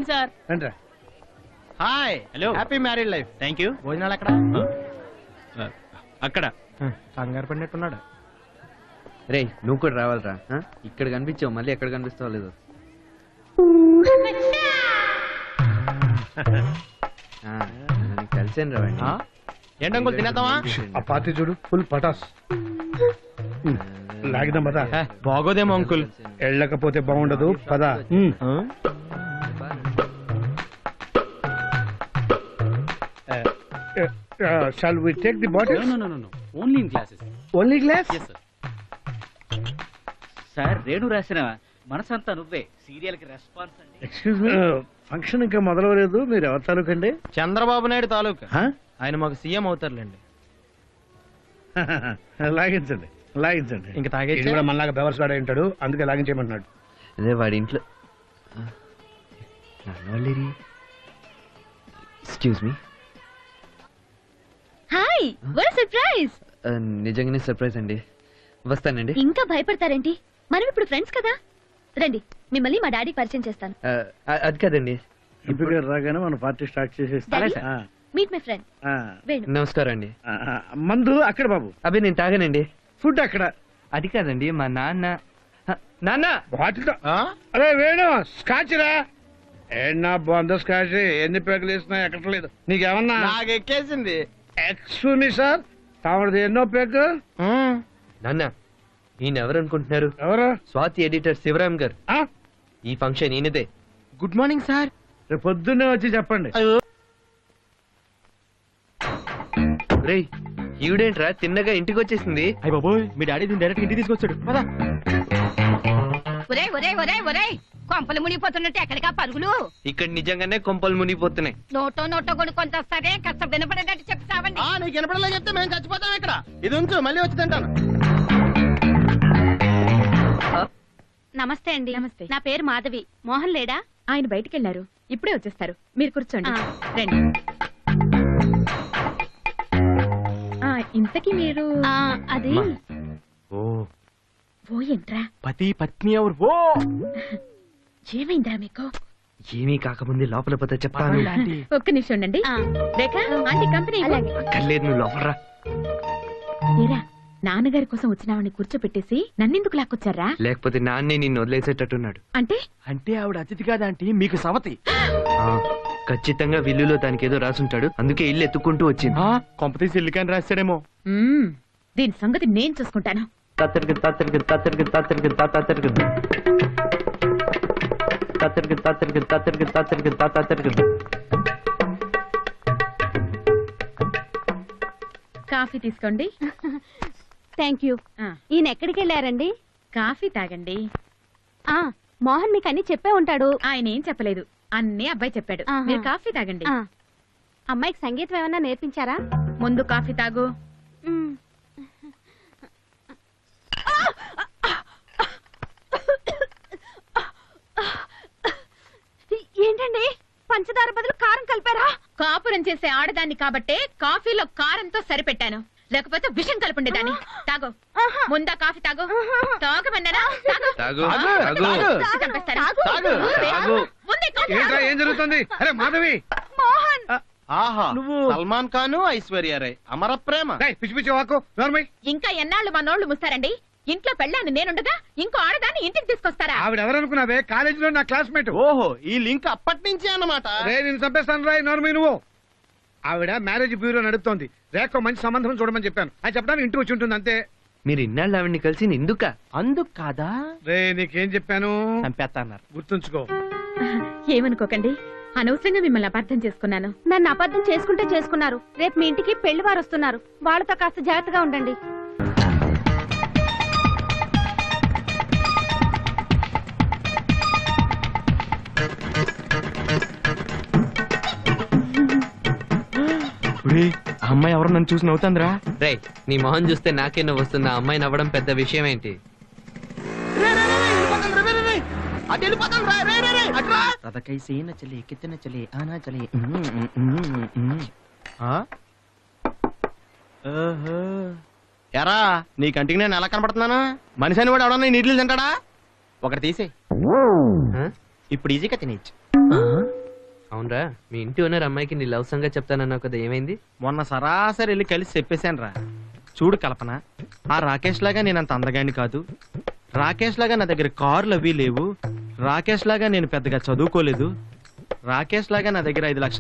రండి సార్. రండి. Hi. Hello. Happy married life. Thank you. భోజనాలు అక్కడ అక్కడ కంగారు పడినట్టున్నాడు. రే నువ్వు కూడా రావాలరా. ఇక్కడ కనిపించావు, మళ్ళీ ఎక్కడ కనిపిస్తావు లేదు. కలిసాను రావండి. ఏంటంకుల్ తినేద్దామా? ఆ పార్టీ చూడు, ఫుల్ పటాస్. లాగిదాం పదా. బాగోదేమో అంకుల్. వెళ్ళకపోతే బాగుండదు పదా. Shall we take the bottle? No. Only in classes. Only glass? Yes, sir. Sir Renu రాసిన మనసంతా నువ్వే సీరియల్ కి రెస్పాన్స్ అండి. ఎక్స్క్యూజ్ మీ, ఫంక్షన్ ఇంకా మొదలవలేదు. మీరు ఎవరి తాలూకండి? చంద్రబాబు నాయుడు తాలూకా. ఆయన మాకు సీఎం అవుతారులేండి. లాగించండి లాగించండి. ఇంకా తాగేచ్చా? ఇది కూడా మనలాగా బెవర్స్ వాడే ఉంటాడు, అందుకే లాగించేయమంటున్నాడు. అదే వాడి ఇంట్లో. Excuse me. Hi, what surprise. నిజంగానే సర్ప్రైజ్ అండి. వస్తానండి. ఇంకా భయపడతారేంటి? మనం ఇప్పుడు ఫ్రెండ్స్ కదా. రండి, మిమ్మల్ని మా డాడీకి పరిచయం చేస్తాను. అది కాదండి. ఎంపీ గారు రాగానే మన పార్టీ స్టార్ట్ చేసేస్తాం. Meet my friend Venu. నమస్కారం అండి. మందు అక్కడ బాబు. అవి నేను తాగానండి. ఫుడ్ అక్కడ. అది కాదండి, మా నాన్న. నాన్న బాటిల్. అరే వేణు, స్కాచ్ రా. ఏనా బాగుందో స్కాచ్. ఎన్ని పేకలు వేసినా ఎక్కట్లేదు. నీకేమన్నా? నాకు ఎక్కేసింది. ఎక్స్క్యూజ్ మీ సార్, తామది ఎన్నో పేక? నాన్న ఈయన ఎవరు అనుకుంటున్నారు? ఎవరు? స్వాతి ఎడిటర్ శివరామ్ గారు. ఈ ఫంక్షన్ ఈయనదే. Good morning sir. రేపు పొద్దున్నే వచ్చి చెప్పండి. రేయ్ ఈవిడేంట్రా తిన్నగా ఇంటికి వచ్చేసింది? అయ్య బాబోయ్, మీ డాడీ దీన్ని డైరెక్ట్ ఇంటికి తీసుకొచ్చాడు. పదా. ఒరే ఒరే ఒరే ఒరే, కొంపలు మునిగిపోతున్నట్టు ఎక్కడికా పరుగులు? ఇక్కడ నిజంగానే కొంపలు మునిగిపోతున్నాయి. నోటో కొనుక్కొని వస్తారే, కాస్త వినపడేటట్టు చెప్తావండి. నీకు వినపడలే చెప్తే మేము చచ్చిపోతాం ఇక్కడ. ఇది ఉంచు, మళ్ళీ వచ్చి తింటాను. నమస్తే అండి. నమస్తే. నా పేరు మాధవి. మోహన్ లేడా? ఆయన బయటికి వెళ్ళారు, ఇప్పుడే వచ్చేస్తారు. మీరు కూర్చోండి. రండి. ఇంతకీ మీరు? అది ఓ ఏంట్రా? పతి పత్ని ఎవరు? ఓ ఏమైందిరా మీకు? ఏమీ కాకముందే లోపల పోతే చెప్తాను. ఒక్క నిమిషం ఉండండి. Rekha, aunty company. అక్కర్లేదు, నువ్వు లోపలరా. ఏరా, నాన్నగారి కోసం వచ్చినావని కూర్చోపెట్టేసి నన్నెందుకు లాక్కొచ్చారా? లేకపోతే నాన్నే నిన్ను వదిలేసేటట్టున్నాడు. అంటే అంటే ఆవిడ అతిథి కాదా ఆంటీ, మీకు సవతి. ఖచ్చితంగా విల్లులో దానికి ఏదో రాసుంటాడు, అందుకే ఇల్లు ఎత్తుకుంటూ వచ్చింది. కొంపతీసి ఇల్లుకాని రాశాడేమో. దీని సంగతి నేను చూసుకుంటాను. తత్తరికి తత్తరికి తత్తరికి తత్తరికి తత్తరికి తత్తరికి తత్తరికి తత్తరికి తత్తరికి తత్తరికి. కాఫీ తీసుకోండి. Thank you. ఈయన ఎక్కడికి వెళ్ళారండి? కాఫీ తాగండి. మోహన్ మీకు అన్ని చెప్పే ఉంటాడు. ఆయన ఏం చెప్పలేదు, అన్నీ అబ్బాయి చెప్పాడు. మీరు కాఫీ తాగండి. అమ్మాయికి సంగీతం ఏమన్నా నేర్పించారా? ముందు కాఫీ తాగు. ఏంటండి, పంచదార బదులు కారం కలిపారా? కాపురం చేసే ఆడదాన్ని కాబట్టే కాఫీలో కారంతో సరిపెట్టాను, లేకపోతే విషం కలుపుండేదాన్ని. తాగు, ముందా కాఫీ తాగు. తాగమన్నారా? ఏం జరుగుతుంది? అరే మాధవి. మోహన్. ఆహా, నువ్వు సల్మాన్ ఖాన్, ఐశ్వర్య రాయ్ అమర ప్రేమ. పిచ్చి పిచ్చి వాకు. ఇంకా ఎన్నాళ్ళు మా నోళ్లు ముస్తారండి? ఇంట్లో పెళ్ళాను నేనుండగా ఇంకో ఆడదాన్ని ఇంటికి తీసుకొస్తారా? ఆవిడ ఎవరనుకున్నావే? కాలేజీలో నా క్లాస్మేట్. ఓహో, ఈ లింక్ అప్పటి నుంచి అన్నమాట. రే నేను చంపేస్తాను రాయ్. నోర్మి నువ్వు. ఆవిడ మ్యారేజ్ బ్యూరో నడుపుతోంది. రేఖ మంచి సంబంధం చూడమని చెప్పాను. అది చెప్పడానికి ఇంటికి వచ్చి ఉంటుంది అంతే. మీరు ఇన్నాళ్ళు ఆవిడ్ని కలిసి ఎందుక? అందుకు కాదా? రే నీకేం చెప్పాను? చంపేస్తా అన్నారు. గుర్తుంచుకో. ఏమనుకోకండి, అనవసరంగా మిమ్మల్ని అపార్థం చేసుకున్నాను. నన్ను అబద్ధం చేసుకుంటే చేసుకున్నారు. రేపు మీ ఇంటికి పెళ్లి వారు వస్తున్నారు. వాళ్ళతో కాస్త జాగ్రత్తగా ఉండండి. ఆ అమ్మాయి ఎవరు నన్ను చూసి నవ్వుతుందిరా. రే నీ మొహం చూస్తే నాకే నవ్వు వస్తుంది. ఆ అమ్మాయి నవ్వడం పెద్ద విషయం ఏంటి? ఎరా నీ కంటికి నేను ఎలా కనపడుతున్నాను? మనిషి అని కూడా ఎవడన్నా నీళ్ళు తింటాడా? ఒకటి తీసే, ఇప్పుడు ఈజీగా తినేయచ్చు. అవునరా, మీ ఇంటి ఓనర్ అమ్మాయికి నీ లవ్ సంగతి చెప్తానన్నావు కదా, ఏమైంది? మొన్న సరాసరి వెళ్ళి కలిసి చెప్పేశాను రా. చూడు కల్పన, ఆ రాకేష్ లాగా నేను అంత అందగాని కాదు, రాకేష్ లాగా నా దగ్గర కార్లు అవి లేవు, రాకేష్ లాగా నేను పెద్దగా చదువుకోలేదు, రాకేష్ లాగా నా దగ్గర 5 లక్షల